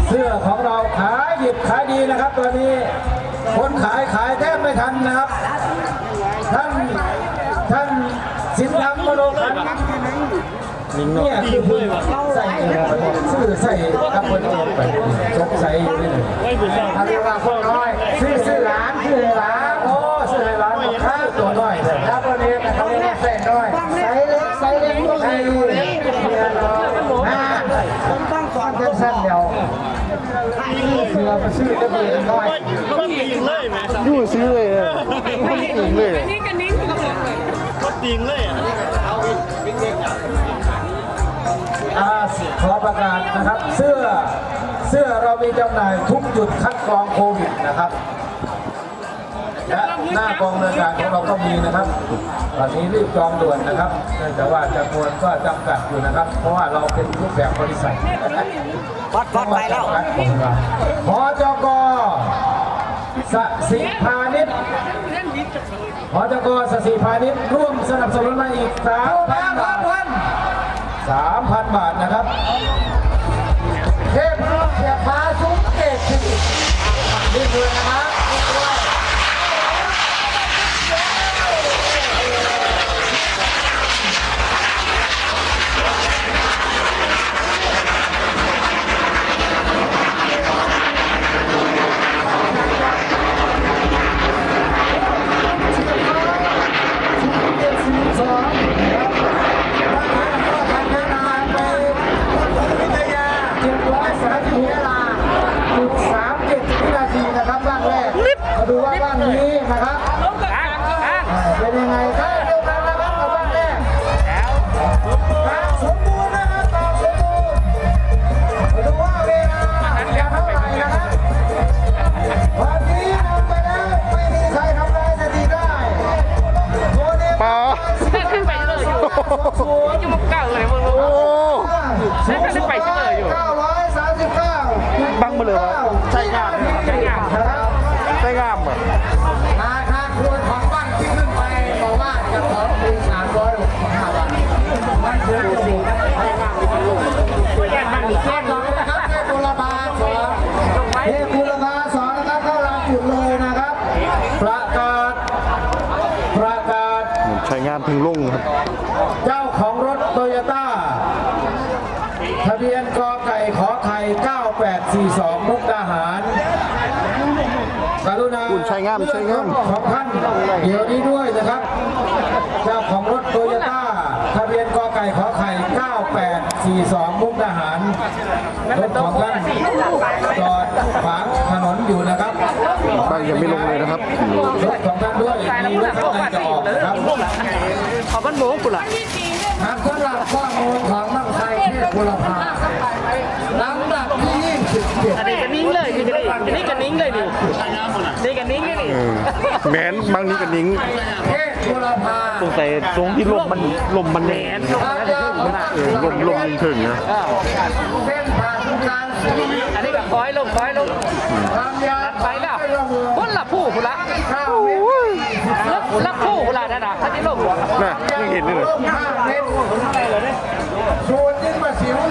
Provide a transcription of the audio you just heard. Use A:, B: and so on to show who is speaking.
A: เสื้อของเราขายดิบขายดีนะครับตอนนี้คนขายแทบไม่ทันนะครับท่านสินธรรมมโนขันเนี่ยคือผู้ใส่ซื้อใส่กับคนเองไปสงสัยอยู่นี่เลยเขาเรียกว่าพวกน้อยซื้อร้านโอ้ซื้อร้านค่าตัวน้อยเลยครับวันนี้เขาเรียกว่าเส้นน้อยไซส์เล็กก็มีต้องสอนเส้นเดียวเสือมาซื้อจะมีน้อยยู่ซื้อเลยมันติงเลย
B: ก็ติงเลย
A: ขอประกาศนะครับเสื้อเรามีจำหน่ายทุกจุดคัดกรองโควิดนะครับและหน้ากองเรือการของเราก็มีนะครับตอนนี้รีบจองด่วนนะครับเนื่องจากว่าจำนวนก็จำกัดอยู่นะครับเพราะว่าเราเป็นรูปแบบบริษัท
C: พอดไปแล้ว
A: พจก.สศิพานิชพจก.สศิพานิชร่วมสนับสนุนมาอีก 3,000 บาท3,000 บาทนะครับเทพรุ่งเสียฟ้าซุ้มเกตนี่คือนะครับดูว่าบ้านนี้นะครับเป็นยังไงครับเดียวกันนะครับกับบ้านแรกสมบูรณ์นะครับตอบสมบูรณ์ดูว่าเวลาจะเท่าไหร่นะครับวันนี้นำไปแล้วไม่มีใครทำลายสถิติได้โมเดล
C: ขึ้นไปเลยอยู่ยังมุกเก่าเลยมึงรู้ขึ้นไปเลยอยู่
A: 939
B: บังมาเลยวะใช่งามใช่งามอ่ะ
A: ราคาควรของบ้านที่ขึ้นไปบอกว่าจะขอปี365 บาทมันคือสิ่งที่ให้มากมีกันลงแค่มันมีแค่สองนะครับแค่กุลภาสองเทพกุลภาสองนะครับเข้ารับจุดเลยนะครับประกาศ
B: ใช้งานถึงลุ่งครับ
A: เจ้าของรถโตโยต้าทะเบียนกไก่ขอไข่9842มุกดาหารกรุณา
B: ใช้งาม
A: ของท่านเดี๋ยวนี้ด้วยนะครับเจ้าของรถโตโยต้าทะเบียนกไก่ขอไข่9842มุกดาหารรถของท่านจอดขวางถนนอยู่นะครับ
B: บ้านยังไม่ลงเลยนะครับ
A: รถของท่านด้วยมีรถข้างในจะออกนะครับ
C: ขอบ้านโม้กุหลาบ
A: หากสำหรับข้อมูลของนักไทยเทพบุรพาลำดับที่27
C: อันนี้กันนิ้งเลยนี่กันนิ้งเลยดินี่กันนิ้งเลย
B: แมนบางนี้กันนิ้ง
A: เทพบุรพา
B: ตรงแต่ตรงที่ลมมันแมนลมถึงนะ
A: เส้นผ่านกลาง
C: อันนี้แบบคอยลงไปแล้วพ้นละผู้คุณละละผู้คุณละนั่นนะท่านที่ลง
B: น่ะไม่เห็นเลย
A: 5 เมตร